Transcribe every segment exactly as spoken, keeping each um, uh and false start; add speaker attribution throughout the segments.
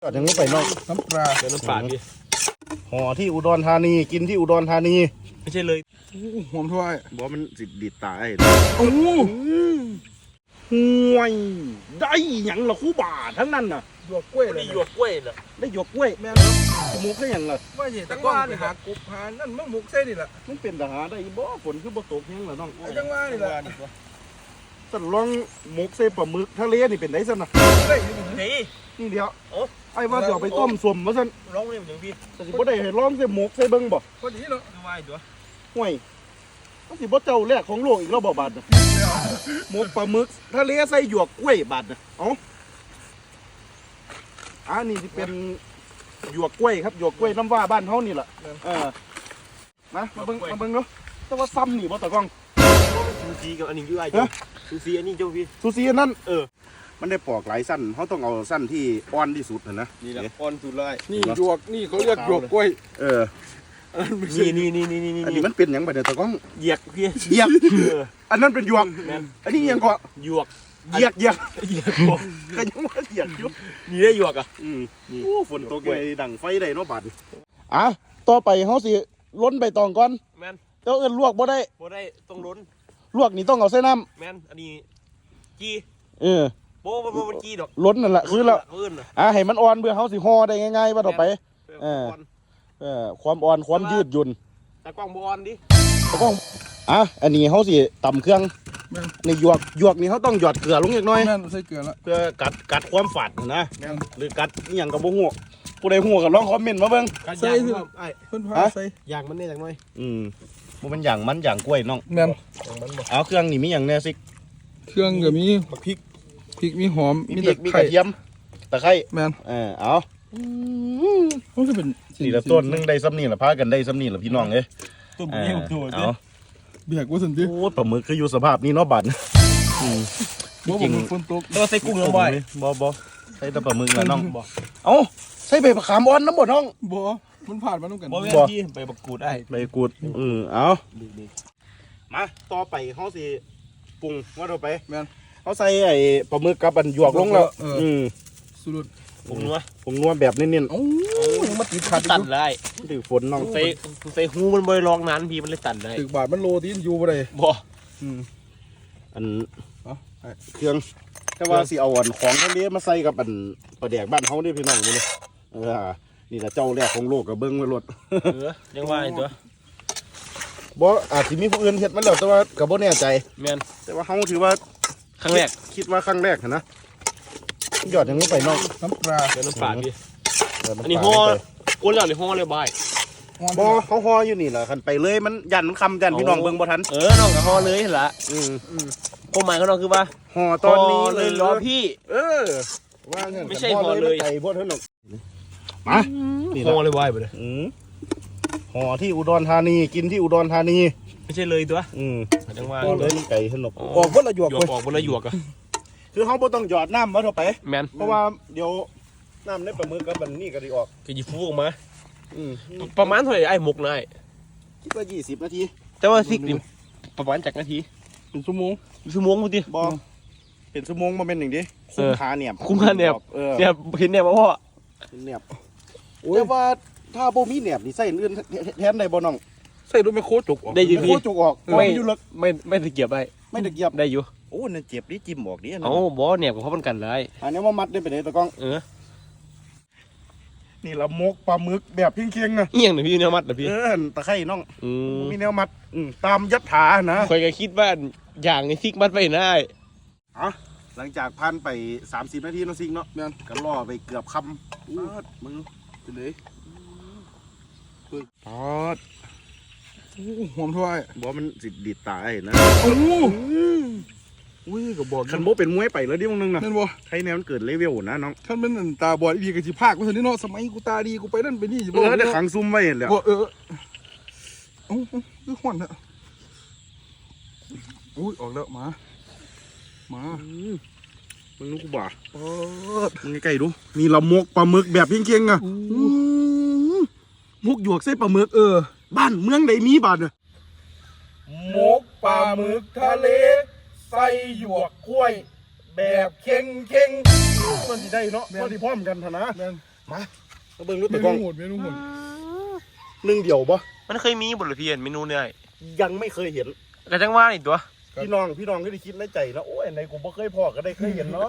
Speaker 1: ก็ยังไม่ไปนอก
Speaker 2: น้ำปลา
Speaker 3: เดี๋ยวน้ำปลาพี่
Speaker 1: ห่อที่อุดรธานีกินที่อุดรธานี
Speaker 3: ไม่ใช่เลย
Speaker 2: หอมถ้วย
Speaker 1: บอกมันสิดีตาย
Speaker 2: โอ้
Speaker 1: ห่วยได้หยังละคู่บาทั้งนั้นน่ะ
Speaker 2: หยวกกล้วยเลย
Speaker 3: ได้หยวกกล้วยเหรอ
Speaker 1: ได้หยวกกล้วยแม่มุกได้หยังล่ะ
Speaker 2: ว่าสิตะก้อนหากบหานั่นมึงมุกเส้นนี่แหละ
Speaker 1: มันเป็นทหารได้บ่ฝนคือบ่ตกแห้งล่ะน้อง
Speaker 2: จังว่านี่แหละ
Speaker 1: สันลองมุกเส้ปลาหมึกทะเลนี่เป็นไดซั่นน่ะ
Speaker 2: ได้
Speaker 3: นี่
Speaker 1: นี่เดียว
Speaker 3: โอ้
Speaker 1: ไอ้ว่าสิเอาไปต้มส้มว่าซั่น
Speaker 3: ร้องเรื่องอย่างพี่
Speaker 1: แต่สิบ่ได้ให้ลองใส่หมกใส่เบิ่งบ่
Speaker 2: พอดีเนาะ
Speaker 3: คือว่าตัว
Speaker 1: ห่วยมันสิบ่เจ้าแรกของโลกอีกแล้วบ่บาดน่ะหมกปลาหมึกทะเลใส่หยวกกล้วยบาดน่ะเอ้าอันนี้สิเป็นหยวกกล้วยครับหยวกกล้วยน้ำว่าบ้านเฮานี่แหละเออมามาเบิ่งมาเบิ่งเนาะแต่ว่าซ้ำนี่บ่ตะกล้อง
Speaker 3: ซูซีกับอันนี้อยู่ไอ้จ้ะซูซีอันนี้เจ้าพี่
Speaker 1: ซูซีอันนั้น
Speaker 3: เออ
Speaker 1: มันได้ปอกหลายสั้นเขาต้องเอาสั้นที่อ่อนที่สุดนะ
Speaker 3: นี่แหละอ่อนสุดเลย
Speaker 2: นี่หยวกนี่เขาเรียกหยวกกล้วย
Speaker 1: เออ
Speaker 3: นี่นี่นี่นี่นี่
Speaker 1: อันนี้มันเป็นอย่างไรเดี๋ยวตะกล้อง
Speaker 3: เหยียกพี่
Speaker 1: เหยียกอันนั้นเป็นหยวกอันนี้ยังก็
Speaker 3: หยวก
Speaker 1: เหยียกเหยียก
Speaker 3: เหยียก
Speaker 1: ก็ยังว่าเหยียกอยู่
Speaker 3: นี่ได้หยวกอ่ะ
Speaker 1: อืมโอ้ฝนตกไปดังไฟได้เนาะบาดอ่ะต่อไปเขาสิล้นใบตองก่อน
Speaker 3: แมน
Speaker 1: เจ้าเอิ้นลวกบ่ได้
Speaker 3: บ่ได้ต้องล้น
Speaker 1: ลวกนี่ต้องเอาใส่น้
Speaker 3: ำแมนอันนี้จี
Speaker 1: เออ
Speaker 3: โบ้โบ้มันจีดอก
Speaker 1: ล้นนั่นแหละคือเราอ่ะให้มันอ่อนเพื่อเขาสิห่อได้ง่ายๆว่าต่อไปเออเออความอ่อนความยืดหยุ่น
Speaker 3: ตะกล้องบอลดิ
Speaker 1: ตะกล้องอ่ะอันนี้เขาสิตำเครื่องในหยวกหยวกนี่เขาต้องหยอดเกลือลงอีกหน่อย
Speaker 2: ใส่เกลือละ
Speaker 1: เพื่อกัดกัดความฝาดนะหรือกัดอหย่างกับบ่หัวผู้ใดหัวกับลองคอมเมนต์มาเบิ่ง
Speaker 2: ใส่ไอ้เพิ่นพาใส่
Speaker 3: ยางมันเนี่ยจังหน่อย
Speaker 1: อืมมันเป็นอย่างมันอย่างกล้วยน้อง
Speaker 2: แม่น
Speaker 1: เอาเครื่องนี่มีอย่างแน่สิ
Speaker 2: เครื่องก็มีพริกพริกมีหอม
Speaker 1: มีตะไคร้มีกระเทียมตะไคร้
Speaker 2: แม่น
Speaker 1: เออเอา
Speaker 2: มันจะเป็น
Speaker 1: นี่ละต้นนึงได้ซ้ำนี่ละพากันได้ซ้ำนี่ละพี่น้องเอ้ย
Speaker 3: ต้นเบี้ยตัว
Speaker 2: เอาเบียกว่าสันติ
Speaker 1: โอ้ปลาหมึกคืออยู่สภาพนี้เนาะบัด
Speaker 2: จริงฝนตก
Speaker 3: ต้องใส่กุ้งลงไป
Speaker 1: บ่บ่ใส่แต่ปลาหมึกนะน้องบ่เอ้าใส่ใบมะขามอ่อนน้ำบ่น้อง
Speaker 2: บ่มันผ่านมาต้องกัน
Speaker 3: บ่ที่ใบมะกรูดได้
Speaker 1: ใบกูดเออเอามาต่อไปเขาสิปรุงว่าต่อไป
Speaker 2: แม่น
Speaker 1: เขาใส่ไอ้ปลาหมึกกับอันหยวกลงแล้วอืม
Speaker 2: สุด
Speaker 3: ปรุงนัว
Speaker 1: ปรุงนัวแบบเน้นๆ
Speaker 2: โอ้ยมันติดขัด
Speaker 3: ตัดได้
Speaker 1: ถือฝนน้อง
Speaker 3: ใส่ใส่หูมันบ่ลองนานพี่มันเลยตัดได้
Speaker 2: ถึกบาทมันโลตีนอยู่บ่ได้
Speaker 3: บ่
Speaker 1: อืมอันเครื่องแต่ว่าสิเอาอันของทะเลมาใส่กับอันปลาแดกบ้านเขาเนี่ยพี่น้องนี่เลยเออนี่แหละเจ้าแรกของโลกกับเบิ้งไว้รถ
Speaker 3: เออยังว่าไอ้ตัว
Speaker 1: บ่อาจจะมีผู้อื่นเฮ็ดมาแล้วแต่ว่ากับบ่แน่ใจ
Speaker 3: แม่น
Speaker 1: แต่ว่าเขาถือว่า
Speaker 3: ครั้งแรก
Speaker 1: คิดว่าครั้งแรกนะยอดยังไม่ไปน้อง
Speaker 2: น้ำปลา
Speaker 3: เดี๋ยวน้ำปลาพี่อันนี้ห่อก้นแล้วนี่ห่อเลยบาย
Speaker 1: บ่เขาห่ออยู่นี่แหละคันไปเลยมันยันมันคำยันพี่น้องเบิ่งบ่ทัน
Speaker 3: เออน้องก็ห่อเลยเห็นละ
Speaker 1: อืม
Speaker 3: ความหมายของน้องคือว่า
Speaker 1: ห่อตอนนี้
Speaker 3: เลยรอพี่
Speaker 1: เออว่างั้น
Speaker 3: ไม่ใช่ห่อเลย
Speaker 1: ไก่บ่เท่านั้นมา
Speaker 3: ห่อเลยบายไปเลย
Speaker 1: ห่อที่อุดรธานีกินที่อุดรธานี
Speaker 3: ไม่ใช่เลยตัว
Speaker 1: อืม
Speaker 3: จังว่า
Speaker 1: เลยไก่สนุก
Speaker 2: ออกบ่ละหยวก
Speaker 3: ออกบ่ละหยวกอ่ะ
Speaker 1: คือเขาบ่ต้องหยอดน้ำมาเท่าไป
Speaker 3: แม่น
Speaker 1: เพราะว่าเดี๋ยวน้ำในปลาหมึกกับมันนี่ก็สิออก
Speaker 3: ก็สิฟูออกมาประมาณเท่าไหร่ไอ้หมกนาย
Speaker 1: คิดว่ายี่สิบนาที
Speaker 3: แต่ว่าสิกนี่ประมาณจักนาที
Speaker 1: เป็นชั่วโมง
Speaker 3: ชั่วโมงพุ่นติ
Speaker 1: บ่เป็นชั่วโมงบ่แม่นหนึ่งดิคุ้มค่าแหนบ
Speaker 3: คุ้มค่าแหนบเนี่ยเห็นแหนบบ่พ่อ
Speaker 1: แหนบแต่ว่าถ้าบ่มีแหนบนี่ใส่อื่นแทนได้บ่น้อง
Speaker 2: ใส่รถไมโครจุกออก
Speaker 3: ได้อยู่พี่
Speaker 1: โคจุกออก
Speaker 3: ไม่ไม่ไม่ตะเกียบได้
Speaker 1: ไม่ตะเกียบ
Speaker 3: ได้อยู่
Speaker 1: โอ้นั่นเจ็บดิจิ้มออกดิ
Speaker 3: เอ้าบ่แหนบกับเขามันกันเลย
Speaker 1: อันนี้ว่ามัดได้ไปไหนตะก้อง
Speaker 3: เออ
Speaker 1: นี่ละมกปลาหมึกแบบเคียงๆนะ
Speaker 3: เอียงหน่อยพี่แนวมัดนะพี่
Speaker 1: เออตะไคร่น้องมีแนวมัดตามยัดถานะ
Speaker 3: คอยก็คิดว่าอย่างนี้ซิกมัดไปได้
Speaker 1: อ่ะหลังจากพันไปสามสิบนาทีน้องซิกเนาะก็ล่อไปเกือบคำอู้มึงไปเลยปอด
Speaker 2: หอมถ้วย
Speaker 1: บอกมันสิดีตายนะ
Speaker 2: โอ้
Speaker 1: อุ้ยก็บอกคันโบเป็นมวยไปแล้วดิมึงนึงนะ
Speaker 2: นั่นบ่
Speaker 1: ใครแนวมันเกิดเลเวลนะน้อง
Speaker 2: ท่านเป็นตาบอดดีกับจีภาคว่าท่านนี่เนาะสมัยกูตาดีกูไปนั่นไปนี่
Speaker 1: เออได้ขังซุ่มไว้เห็นแล้ว
Speaker 2: เออโอ้คือหวานอะอุ้ยออกแล้วมามา
Speaker 1: มึงนึกกูบ่ามึงใกล้ๆดูมีละมกปลาหมึกแบบเคียงๆอ่ะมุกหยวกเส้นปลาหมึกเออบ้านเมืองใดมีบ้านเนี่ย
Speaker 2: มกปลาหมึกทะเลใส่หยวกกล้วยแบบเค็งเค็ง
Speaker 1: มันสิได้เนาะมันสิพร้อมกันทนะมามาเบิ่งดู
Speaker 2: เม
Speaker 1: ตะก
Speaker 2: นู
Speaker 1: ล้อง
Speaker 2: โหดเมนูโหด
Speaker 1: หนึ่งเดียวบ่
Speaker 3: มันเคยมีบทเรียนเมนูเนี่ย
Speaker 1: ยังไม่เคยเห็น
Speaker 3: กระจังว่านี่ตัว
Speaker 1: พี่น้องพี่น้องก็ได้คิดในใจแล้วโอ้ยไหนกูบ่เคยพอก็ได้เคยเห็นเนาะ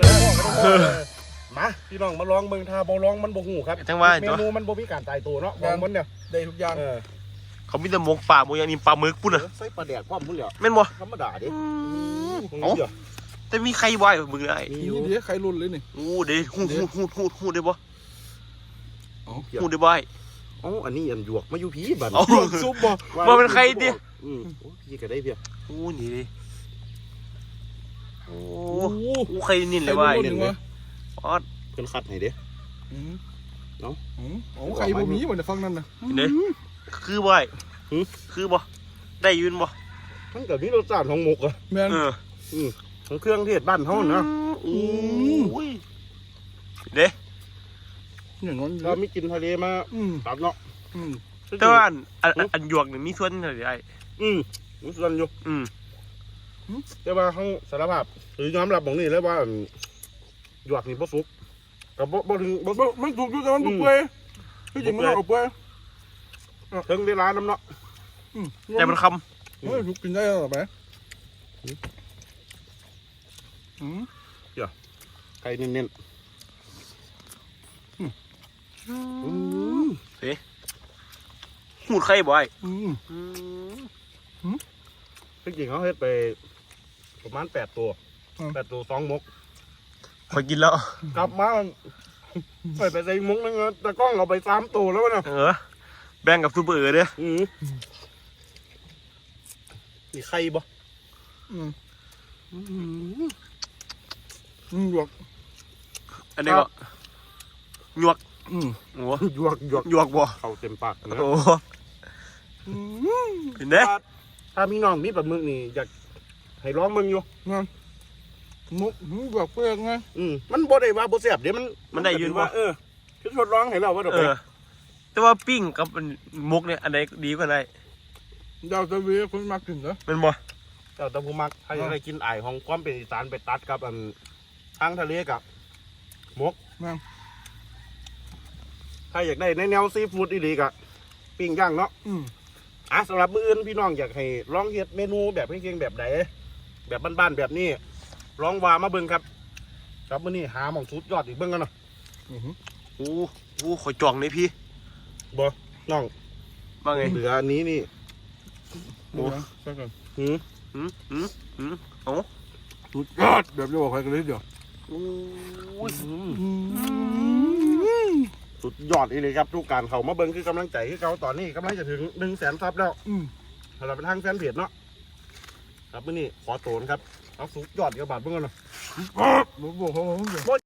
Speaker 1: มาพี่น้องมาลองเบิ่งถ้าบ่ลองมันบ่ฮู้ครับ
Speaker 3: กระจังว่า
Speaker 1: เม
Speaker 3: ตัว
Speaker 1: นูมันบ่มีการตายตัวเนาะของมันเนี่ย
Speaker 2: ได้ทุกอย่าง
Speaker 1: เออ
Speaker 3: เขามีแต่หมกปลาหมกอย่างนี้ปลาหมึกปุ่นอ่ะ
Speaker 1: ใส่ปลาแดกความพุ่นเหลียว
Speaker 3: แม่นบ่
Speaker 1: ธรรมดาดิ
Speaker 3: เอ้าแต่มีใครวายมึงได้
Speaker 1: มี
Speaker 2: นี่
Speaker 1: อยู่
Speaker 2: เดี๋ยวใครรุ่นเลยนี่
Speaker 3: โอ้เดี๋ยวหูหูหูหูหูได้บ่
Speaker 2: เอา
Speaker 3: หูได้บ่
Speaker 1: อ๋ออันนี้อันหยวกมาอยู่ผีบัด
Speaker 3: เอา
Speaker 2: หยวกซุปบ่
Speaker 3: ว่าเป็นใครดิ
Speaker 1: อืมโอ้พี่ก็ได้เพีย
Speaker 3: โอ้นี่ดิโอ้
Speaker 2: โอ้โห
Speaker 3: โหใครนิน
Speaker 2: ใค
Speaker 3: เล
Speaker 2: ร
Speaker 3: ยว่า
Speaker 2: รุ่นหนึ่งวะ
Speaker 3: ออด
Speaker 1: เพิ่นคัดให้เด้
Speaker 2: อืม
Speaker 1: เนาะ
Speaker 2: อืมโอ้ใครบ่มีบ่ได้ฟังนั่นน่ะ
Speaker 3: เด้คือบ่คือบ่ได้ยืนบ่
Speaker 1: มันก็มีรสชาติของหมกอ่ะ
Speaker 2: แม่น
Speaker 3: เออ
Speaker 1: อืมของเครื่องเทศบ้านเฮานะ
Speaker 3: โอ้ยเด้
Speaker 2: อย่างนั้น
Speaker 1: เรามีกินทะเลมา
Speaker 2: อืม
Speaker 1: ตัดเนาะ
Speaker 2: อืม
Speaker 3: แต่ว่าอันอันหยวกนี่มีส่วนอะไร
Speaker 1: อืมมีส่วนอยู่
Speaker 3: อืม
Speaker 1: แต่ว่าเฮาสารภาพหรือยอมรับบ่งนี้แล้วว่าหยวกนี่บ่สุกก็บ่บ่ถึงบ่
Speaker 2: บ่มันถูกอยู่แต่มันถูกเปื่อยที่จริงมันเอาเปื่อย
Speaker 1: ถึงเวลานํเนาะ
Speaker 2: อืม
Speaker 3: แต่มันค
Speaker 2: เฮ้ยถูกกินได้หรอแม่อืม
Speaker 1: ไก่เน้น
Speaker 3: ำเฮ้หูดไข่บ่อย
Speaker 2: อืม
Speaker 1: ๆจริงๆเขาเฮ็ดไปประมาณแปดตัวแปดตัวสองหมก
Speaker 3: คอยกินแล้ว
Speaker 1: กลับมาไปไปใส่หมกนึงตะกล้องเอาไปสามตัวแล้วนะ
Speaker 3: เออแบ่งกับซูเปอร์เออเด้อ
Speaker 1: อืมนี่ไข่บ่
Speaker 2: อืมอืมหยวก
Speaker 3: อันนี้ก็หยวก
Speaker 2: อืม
Speaker 3: โอ้
Speaker 1: หยวกหยวก
Speaker 3: หยวกบ่
Speaker 1: เข้าเต็มปากนะ
Speaker 3: โอ้
Speaker 2: อืม
Speaker 3: เห็นเด้
Speaker 1: ถ้าถ้ามีน้องมีปลาหมึกนี่อยากให้ร้องมึงอยู่
Speaker 2: นั่นมุกหยวกเปลือกไง
Speaker 1: อืมมันบ่ได้ว่าบ่แซ่บเดี๋ยวมัน
Speaker 3: มันได้ยืนบ่
Speaker 1: ว่าเออคือทดลองให้เราว่าเดี๋ยว
Speaker 3: เอ
Speaker 1: ไป
Speaker 3: อ แต่ว่าปิ้งกับมุกเนี่ยอันไหนดีกว่าไหน
Speaker 2: ดาวตะวีคนมากินเหรอ
Speaker 3: เป็นบ่
Speaker 1: เจ้าตะพูมักถ้าอยากได้กินไอายของความเป็นอีสานไปตัดกับอันทางทะเลกับหมก
Speaker 2: นั่น
Speaker 1: ถ้าอยากได้ในแนวซีฟู้ดอีกๆอะปิ้งย่างเนาะ
Speaker 2: อืม
Speaker 1: อ่ะสำหรับมื้ออื่นพี่น้องอยากให้ลองเฮ็ดเมนูแบบเก่งๆแบบใดแบบบ้านๆแบบนี้ลองว่ามาเบิ่งครับครับมื้อนี้หาหม่องสุดยอดอีกเบิ่งกันเนาะ
Speaker 2: อืม
Speaker 3: โอ้โหขอยจองเลยพี่
Speaker 1: บ่น้อง
Speaker 3: ว่าไง
Speaker 1: เหลืออันนี้นี่
Speaker 2: โอ้ใช่กัน
Speaker 1: หืม
Speaker 3: หืมหืมหืมโอ้
Speaker 2: สุดยอดแบบจะบอกใครกันเลยเดี๋ยว
Speaker 3: โอ้ย
Speaker 1: สุดยอดอีเลยครับทุกการเข้ามาเบิ่งคือกำลังใจคือเขาตอนนี้กำลังจะถึงหนึ่งแสนซับแล้ว
Speaker 2: อืม
Speaker 1: สำหรับเป็นทางแฟนเพจเนาะครับมื้อนี้ขอโตนครับเอาสุดยอดกับบาทเบิ่งกันเนาะ
Speaker 2: บอกเขา